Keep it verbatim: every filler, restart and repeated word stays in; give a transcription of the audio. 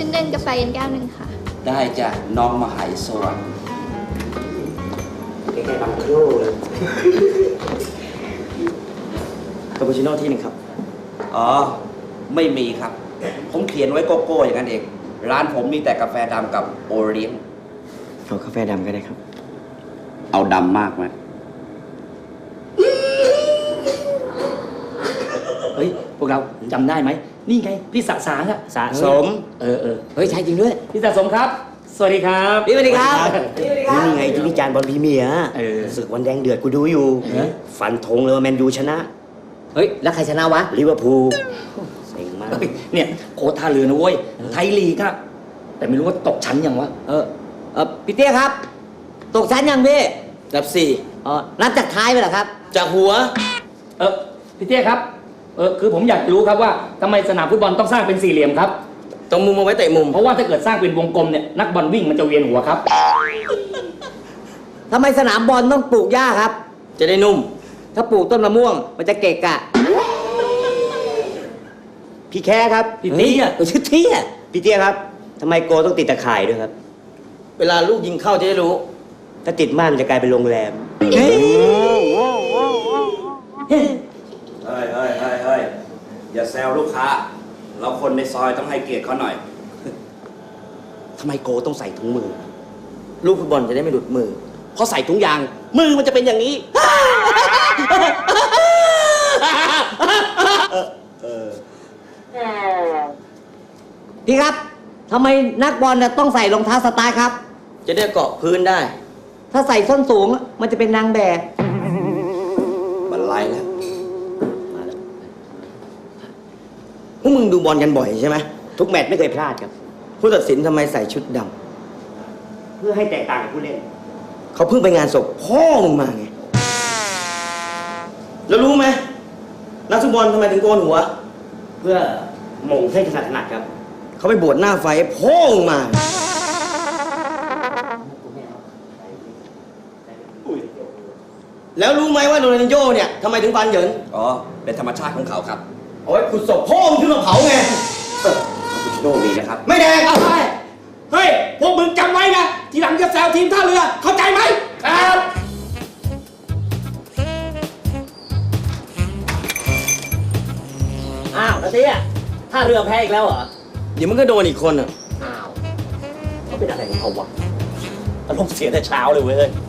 เล่นกาแฟเย็นแก้วหนึ่งค่ะได้จ้ะน้องมหายสวัสดิ์แค่บังครูเลยคาปูชิโน่ที่หนึ่งครับอ๋อไม่มีครับผมเขียนไว้โกโก้อย่างนั้นเองร้านผมมีแต่กาแฟดำกับโอเลี้ยงเอากาแฟดำก็ได้ครับเอาดำมากไหมเฮ้ยพวกเราจำได้ไหมนี่ไงพี่สะสางอะสะสมเออเออเฮ้ยใช่จริงด้วยพี่สะสมครับสวัสดีครับพี่สวัสดีครับนี่ไงที่วิจารณ์บอลพรีเมียร์เออศึกวันแดงเดือดกูดูอยู่ฟันธงเลยว่าแมนยูชนะเฮ้ยแล้วใครชนะวะลิเวอร์พูลเซ็งมากเนี่ยโค้ชท่าเรือนะเว้ยไทยลีกครับแต่ไม่รู้ว่าตกชั้นยังวะเออเออพี่เตี้ยครับตกชั้นยังพี่นับสี่อ๋อนับจากท้ายไปเหรอครับจากหัวเออพี่เตี้ยครับเออคือผมอยากรู้ครับว่าทำไมสนามฟุตบอลต้องสร้างเป็นสี่เหลี่ยมครับตรงมุมเอาไว้เตะมุมเพราะว่าถ้าเกิดสร้างเป็นวงกลมเนี่ยนักบอลวิ่งมันจะเวียนหัวครับทำไมสนามบอลต้องปลูกหญ้าครับจะได้นุ่มถ้าปลูกต้นมะม่วงมันจะเกะกะพี่แค่ครับพี่เตี้ยตัวชื่อเตี้ยพี่เตี้ยครับทำไมโกต้องติดตะข่ายด้วยครับเวลาลูกยิงเข้าจะได้รู้ถ้าติดม่านมันจะกลายเป็นโรงแรมเฮ้ยเฮ้ยเฮ้ยเฮ้ยอย่าแซวลูกค้าเราคนในซอยต้องให้เกียรติเขาหน่อยทำไมโกต้องใส่ถุงมือลูกฟุตบอลจะได้ไม่หลุดมือเพราะใส่ถุงยางมือมันจะเป็นอย่างนี้พี่ครับทำไมนักบอลต้องใส่รองเท้าสไตล์ครับจะได้เกาะพื้นได้ถ้าใส่ส้นสูงมันจะเป็นนางแบบบรรลัยแล้วพวกมึงดูบอลกันบ่อยใช่ไหมทุกแมตช์ไม่เคยพลาดครับผู้ตัดสินทำไมใส่ชุดดำเพื่อให้แตกต่างกับผู้เล่นเขาเพิ่งไปงานศพพ่อมึงมาไงแล้วรู้ไหมนักฟุตบอลทำไมถึงโกนหัวเพื่อหม่งให้ถนัดถนัดครับเขาไปบวชหน้าไฟพ่อมึงมาแล้วรู้ไหมว่าโรนัลดินโญ่เนี่ยทำไมถึงฟันเหยินอ๋อเป็นธรรมชาติของเขาครับโอ้ยขุดศพพ่อมึงขึ้นมาเผาไงคุณโชคดีนะครับไม่แดงเอาไปเฮ้ยพวกมึงจำไว้นะทีหลังจะแซวทีมท่าเรือเข้าใจไหมครับอ้าวนาเตี้ยท่าเรือแพ้อีกแล้วเหรอเดี๋ยวมึงก็โดนอีกคนอ่ะอ้าวเขาเป็นอะไรของเขาวะอารมณ์เสียแต่เช้าเลยเว้ย